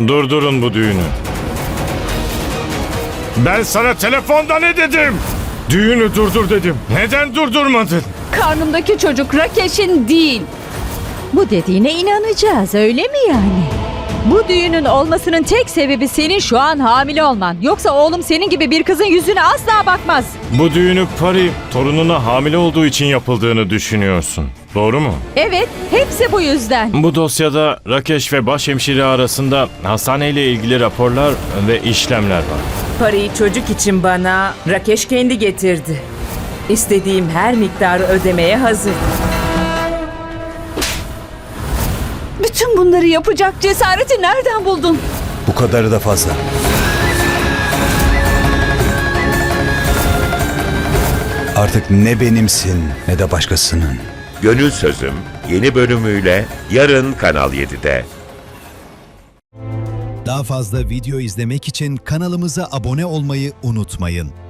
Durdurun bu düğünü. Ben sana telefonda ne dedim? Düğünü durdur dedim. Neden durdurmadın? Karnımdaki çocuk Rakeş'in değil. Bu dediğine inanacağız, öyle mi yani? Bu düğünün olmasının tek sebebi senin şu an hamile olman. Yoksa oğlum senin gibi bir kızın yüzüne asla bakmaz. Bu düğünü Pari torununa hamile olduğu için yapıldığını düşünüyorsun. Doğru mu? Evet, hepsi bu yüzden. Bu dosyada Rakeş ve başhemşire arasında hastaneyle ilgili raporlar ve işlemler var. Parayı çocuk için bana Rakeş kendi getirdi. İstediğim her miktarı ödemeye hazır. Bütün bunları yapacak cesareti nereden buldun? Bu kadarı da fazla. Artık ne benimsin ne de başkasının. Gönül Sözüm yeni bölümüyle yarın Kanal 7'de. Daha fazla video izlemek için kanalımıza abone olmayı unutmayın.